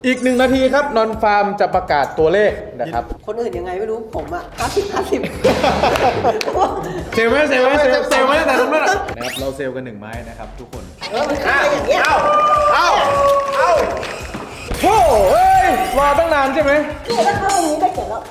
อีก1 นาทีครับนอนฟาร์มจะประกาศตัวเลขนะครับคนอื่นยังไงไม่รู้ผมอะ50 เซลไหมเซลไหมเซลไหมแต่ตรงนั้นนะครับเราเซลกัน1 ไม้นะครับทุกคนมันขึ้นไปอย่างเงี้ยเอาโถ่เฮ้ยรอตั้งนานใช่ไหมเนี่ยถ้าเข้าตรงนี้ได้เขียนแล้ว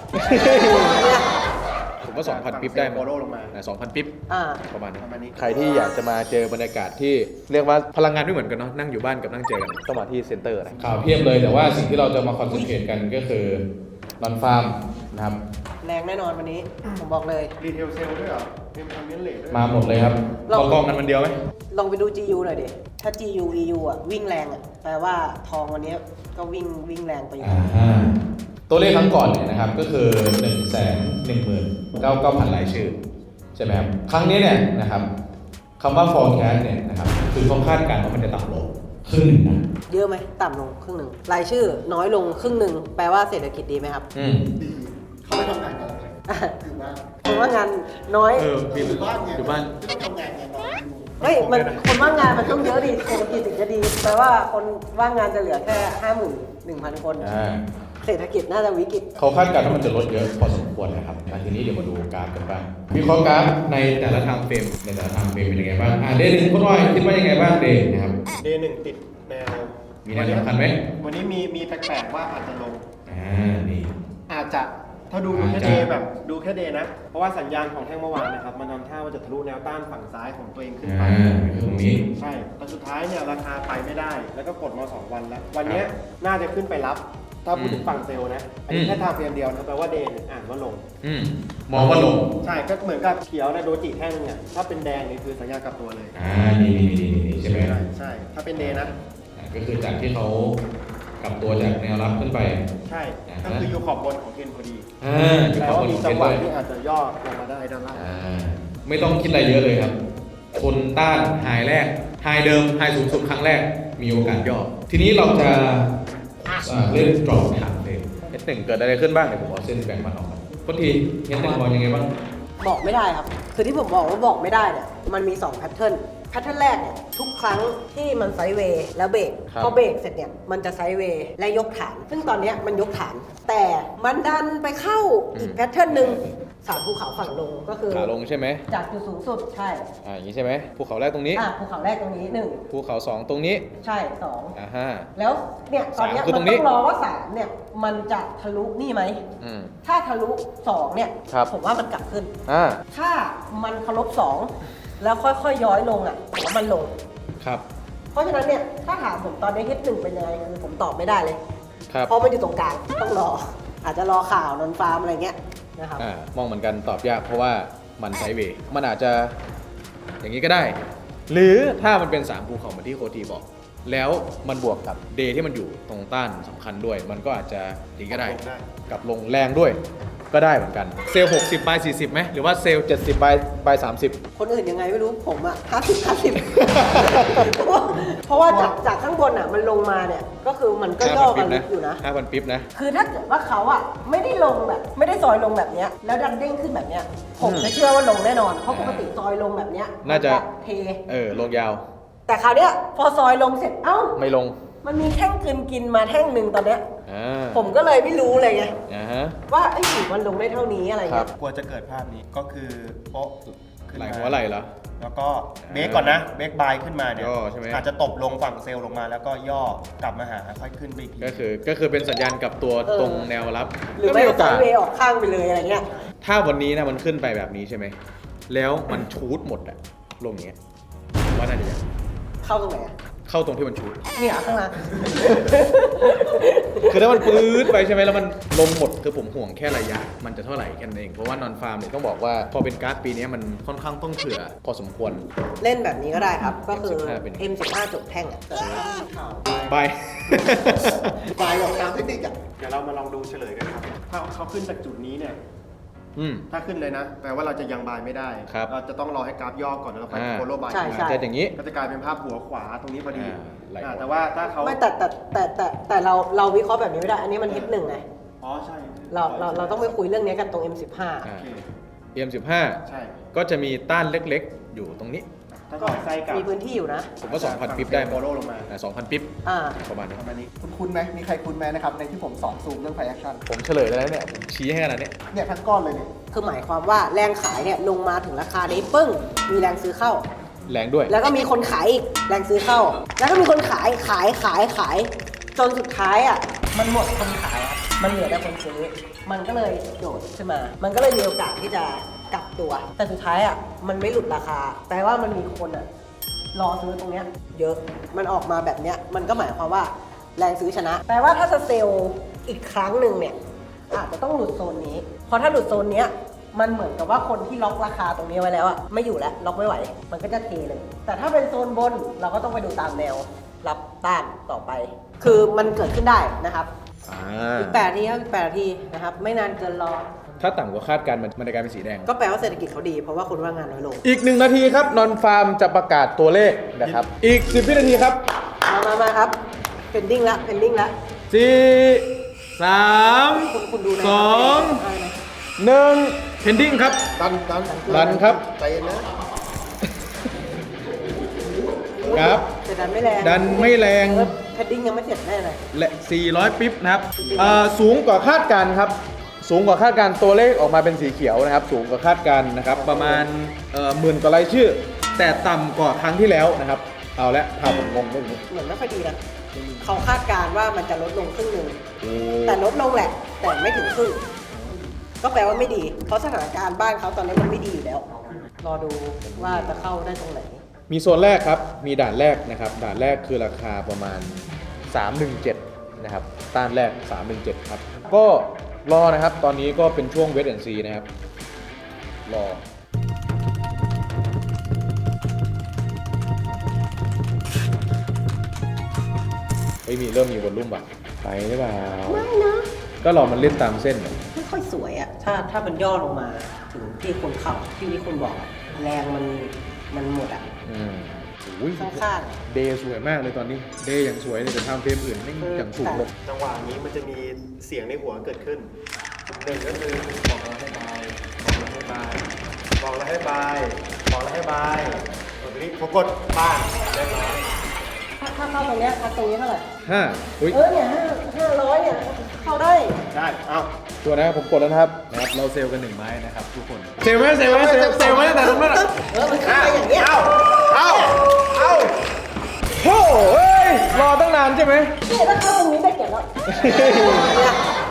ผมว่า 2,000 ปิ๊บได้มั้ย2,000 ปิ๊บประมาณนี้ใครที่อยากจะมาเจอบรรยากาศที่เรียกว่าพลังงานไม่เหมือนกันเนาะนั่งอยู่บ้านกับนั่งเจอกันต้องมาที่เซ็นเตอร์นะข่าวเพียบเลยแต่ว่าสิ่งที่เราจะมาคอนเซนเทรตกันก็คือนอนฟาร์มนะครับแรงแน่นอนวันนี้ผมบอกเลยรีเทลเซลด้วยเหรอเป็นคอมเมนต์เลทด้วยมาหมดเลยครับกองกันมันเดียวไหมลองไปดู GU หน่อยดิถ้า GU EU อ่ะวิ่งแรงอ่ะแปลว่าทองวันนี้ก็วิ่งแรงไปอยู่ตัวเลขครั้งก่อนเนี่ยนะครับก็คือ 119,000 รายชื่อใช่ไหมครับครั้งนี้เนี่ยนะครับคำว่า forecast เนี่ยนะครับคือเขาคาดการณ์ว่ามันจะต่ำลงครึ่งนะเยอะไหมต่ำลงครึ่งหนึ่งรายชื่อน้อยลงครึ่งหนึ่งแปลว่าเศรษฐกิจดีไหมครับดีเขาไม่ทำงานกันอยู่บ้านคนว่างานน้อยอยู่บ้านไงอยู่บ้านไม่ต้องทำงานไงไม่มันคนว่างงานมันต้องเยอะดีเศรษฐกิจถึงจะดีแปลว่าคนว่างงานจะเหลือแค่ 51,000 คนเศรษฐกิจน่าจะวิกฤตเขาคาดการณ์ว่ามันจะลดเยอะพอสมควรนะครับทีนี้เดี๋ยวมาดูกราฟกันบ้างวิเคราะห์กราฟในแต่ละไทม์เฟรมเป็นยังไงบ้างเดย์หนึ่งคุณอ้อยคิดว่ายังไงบ้างเดย์นะครับเดย์หนึ่งติดแนวมีแนวสำคัญไหมวันนี้มีแปลกๆว่าอาจจะลงนี่อาจจะถ้าดูแค่เดย์แบบดูแค่เดย์นะเพราะว่าสัญญาณของแท่งเมื่อวานนะครับมันนำท่าว่าจะทะลุแนวต้านฝั่งซ้ายของตัวเองขึ้นไปตรงนี้ใช่แต่สุดท้ายเนี่ยราคาไปไม่ได้แล้วก็กดมา2 วันแล้ววันนี้น่าจะขึ้นไปรับถ้าพูดถึงฝั่งเซลล์นะอันนี้แค่ทางเพียงเดียวนะแปลว่าเดย์อ่านว่าลงมองว่าลงใช่ก็เหมือนกับเขียวนะโดจิแท่งนึงอ่ะถ้าเป็นแดงนี่คือสัญญาณกลับตัวเลยนี่ใช่ไหมใช่ถ้าเป็นเดย์นะก็คือจากที่เขากลับตัวจากแนวรับขึ้นไปใช่ก็คืออยู่ขอบบนของเทรนพอดีแล้วมีจังหวะที่อาจจะย่อลงมาได้ด้านล่างไม่ต้องคิดอะไรเยอะเลยครับทนต้านไฮแรกไฮเดิมไฮสูงสุดครั้งแรกมีโอกาสย่อทีนี้เราจะเล่นดรอปถามเลยH1เกิดอะไรขึ้นบ้างเดี๋ยวผมเอาเส้นแบ่งมันออกกันพอดีH1มองยังไงบ้างบอกไม่ได้ครับคือที่ผมบอกว่าบอกไม่ได้เนี่ยมันมี2แพทเทิร์นแรกเนี่ยทุกครั้งที่มันไซด์เวย์แล้วเบรกพอเบรกเสร็จเนี่ยมันจะไซด์เวย์และยกฐานซึ่งตอนนี้มันยกฐานแต่มันดันไปเข้าอีกแพทเทิร์นหนึ่ง3ภูเขาฝั่งลงก็คือขาลงใช่ไหมจากจุดสูงสุดใช่อย่างนี้ใช่ไหมภูเขาแรกตรงนี้ภูเขาแรกตรงนี้1 ภูเขา2ตรงนี้ใช่ 2 แล้วเนี่ยตอนนี้มันต้องรอว่า3เนี่ยมันจะทะลุนี่ไหมถ้าทะลุ2เนี่ยผมว่ามันกลับขึ้นถ้ามันเคารพ2แล้วค่อยๆย้อยลงผมว่ามันลงครับเพราะฉะนั้นเนี่ยถ้าถามผมตอนนี้H1เป็นยังไงคือผมตอบไม่ได้เลยครับเพราะมันอยู่ตรงกลางต้องรออาจจะรอข่าวนอนฟาร์มอะไรเงี้ยนะครับมองเหมือนกันตอบยากเพราะว่ามันไซด์เวย์มันอาจจะอย่างนี้ก็ได้หรือถ้ามันเป็น3ภูเขาเหมือนที่โคทีบอกแล้วมันบวกกับเดย์ที่มันอยู่ตรงต้านสำคัญด้วยมันก็อาจจะอย่างนี้ก็ได้กับลงแรงด้วยก็ได้เหมือนกันเซลล์60บาย40ไหมหรือว่าเซลล์70บาย30 คนอื่นยังไงไม่รู้ผม50เพราะว่าจากข้างบนมันลงมาเนี่ยก็คือมันก็ย่อกันลึกอยู่นะ 5,000 ปิ๊บนะคือถ้าเกิดว่าเขาไม่ได้ลงแบบไม่ได้ซอยลงแบบเนี้ยแล้วดันเด้งขึ้นแบบเนี้ยผมจะเชื่อว่าลงแน่นอนเพราะปกติซอยลงแบบเนี้ยน่าจะเทลงยาวแต่คราวเนี้ยพอซอยลงเสร็จไม่ลงมันมีแท่งกินมาแท่งหนึ่งตอนเนี้ยผมก็เลยไม่รู้เลยไงว่าไอ้หิมันลงได้เท่านี้อะไรเงี้ยกลัวจะเกิดภาพนี้ก็คือโป๊ะไหลหัวไหลเหรอแล้วก็เบรกก่อนนะเบรกบายขึ้นมาเนี่ยอาจจะตบลงฝั่งเซลล์ลงมาแล้วก็ย่อกลับมาหาค่อยขึ้นไปอีกทีก็คือเป็นสัญญาณกับตัวตรงแนวรับหรือไม่ก็ไซด์เวย์ออกข้างไปเลยอะไรเงี้ยถ้าวันนี้นะมันขึ้นไปแบบนี้ใช่ไหมแล้วมันชูดหมดลงอย่างเงี้ยว่าน่าจะยังเข้าตรงไหนเข้าตรงที่มันชูดเนี่ยข้างล่างคือถ้ามันปื๊ดไปใช่ไหมแล้วมันลงหมดคือผมห่วงแค่ระยะมันจะเท่าไหร่แค่นั้นเองเพราะว่านอนฟาร์มเนี่ยต้องบอกว่าพอเป็นการ์ดปีนี้มันค่อนข้างต้องเผื่อพอสมควรเล่นแบบนี้ก็ได้ครับก็คือ M15 จบแท่งบายออกตามเทคนิคเดี๋ยวเรามาลองดูเฉลยกันครับถ้าเขาขึ้นจากจุดนี้เนี่ยถ้าขึ้นเลยนะแปลว่าเราจะยังบายไม่ได้เราจะต้องรอให้กราฟย่อก่อนแล้วเราค่อยโฟลโล่บายจะอย่างนี้ก็จะกลายเป็นภาพหัวขวาตรงนี้พอดีแต่ว่าถ้าเขาไม่แต่เราวิเคราะห์แบบนี้ไม่ได้อันนี้มันH1ไงใช่เราต้องไปคุยเรื่องนี้กันตรงM15 M15 ใช่ก็จะมีต้านเล็กๆอยู่ตรงนี้ถ้าถอดไส้กลับมีพื้นที่อยู่นะผมว่า 2,000 ปิ๊บได้ไหมโปโลลงมา 2,000 ปิ๊บอ่าประมาณนี้ประมาณนี้คุณคุ้นไหมมีใครคุ้นไหมนะครับในที่ผมสอนซูมเรื่องไฟแอคชั่นผมเฉลยแล้วเนี่ยผมชี้ให้ขนาดนี้เนี่ยทั้งก้อนเลยเนี่ยคือหมายความว่าแรงขายเนี่ยลงมาถึงราคานี้ปึ้ง มีแรงซื้อเข้าแรงด้วยแล้วก็มีคนขายอีกแรงซื้อเข้า แล้วก็มีคนขายจนสุดท้ายอ่ะมันหมดคนขายอะมันเหลือแต่คนซื้อ มันก็เลยโดดขึ้นมา มันก็เลยมีโอกาสที่จะกลับตัว แต่สุดท้ายอ่ะมันไม่หลุดราคาแปลว่ามันมีคนอ่ะรอซื้อตรงเนี้ยเยอะมันออกมาแบบเนี้ยมันก็หมายความว่าแรงซื้อชนะแปลว่าถ้าจะเซลล์อีกครั้งหนึ่งเนี่ยอาจจะต้องหลุดโซนนี้เพราะถ้าหลุดโซนเนี้ยมันเหมือนกับว่าคนที่ล็อกราคาตรงนี้ไว้แล้วอะไม่อยู่แล้วล็อกไม่ไหว มันก็จะเทเลย แต่ถ้าเป็นโซนบนเราก็ต้องไปดูตามแนวรับต้านต่อไป คือมันเกิดขึ้นได้นะครับ อีก8นาทีครับอีก8นาทีนะครับไม่นานเกินรอถ้าต่ำกว่าคาดการณ์มันจะกลายเป็นสีแดงก็แปลว่าเศรษฐกิจเขาดีเพราะว่าคนว่างงานน้อยลงอีก 1 นาทีครับนอนฟาร์มจะประกาศตัวเลขนะครับ อีก 10 วินาทีครับมาครับเพนดิ้งละเพนดิ้งละ 4 3 คุณดูนะ 2 1 pending ครับ ดันครับใจเย็นนะครับแต่ดันไม่แรงดันไม่แรงเพนดิ้งยังไม่เสร็จแน่เลยและ 400 ปิ๊บนะครับสูงกว่าคาดการณ์ครับ สูงกว่าคาดการณ์ตัวเลขออกมาเป็นสีเขียวนะครับ สูงกว่าคาดการณ์นะครับ ประมาณหมื่นกว่ารายชื่อ แต่ต่ำกว่าครั้งที่แล้วนะครับ เอาละพาผมงงเรื่องนี้เหมือนไม่ค่อยดีนะเขาคาดการณ์ว่ามันจะลดลงครึ่งหนึ่งโอ้แต่ลดลงแหละ แต่ไม่ถึงครึ่ง ก็แปลว่าไม่ดี เพราะสถานการณ์บ้านเขาตอนนี้มันไม่ดีอยู่แล้ว รอดูว่าจะเข้าได้ตรงไหนมีโซนแรกครับ มีด่านแรกนะครับ ด่านแรกคือราคาประมาณ 317 นะครับ ต้านแรก 317 ครับ ก็รอนะครับ ตอนนี้ก็เป็นช่วงเวทแอนซีนะครับ รอ เริ่มมีวอลลุ่มว่ะไปหรือเปล่าไม่นะก็รอมันเล่นตามเส้นไม่ค่อยสวยอะถ้ามันย่อลงมาถึงที่คนขับที่คนบอกอะแรงมันหมดอะอุ้ยข้างเดย์สวยมากเลยตอนนี้ เดย์อย่างสวยเลยแต่ทำเฟรมอื่นไม่อย่างสูงลงจังหวะนี้มันจะมีเสียงในหัวเกิดขึ้นหนึ่งก็คือบอกเราให้บายบอกเราให้บายบอกเราให้บายตอนนี้ผมกดบ้านเรียบร้อยถ้าเข้าตรงเนี้ยตรงนี้เท่าไหร่อุ้ยเนี่ย500เนี่ยเข้าได้ได้ เอาตัวนะครับผมกดแล้วนะครับ เราเซลล์กัน1 ไม้นะครับทุกคน เซลล์ไหมเซลล์ไหมเซลล์ไหมแต่ตรงนั้นมันเข้าไปอย่างเงี้ยเอาโอ้เฮ้ย รอตั้งนานใช่ไหมเนี่ยถ้าเข้าตรงนี้ได้เก็บแล้วเนี่ย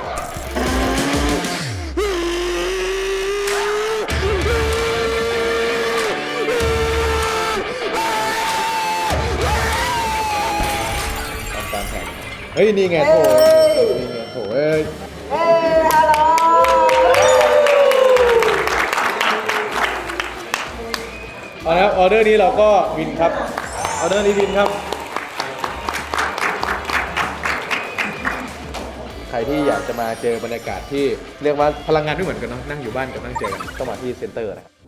ตามแผนเฮ้ย นี่ไงโถนี่ไงโถเอ้ยฮัลโหลเอาละครับออเดอร์นี้เราก็วินครับ ออเดอร์นี้วินครับ ใครที่อยากจะมาเจอบรรยากาศที่เรียกว่าพลังงานไม่เหมือนกันเนาะ นั่งอยู่บ้านกับนั่งเจอกันต้องมาที่เซ็นเตอร์นะครับ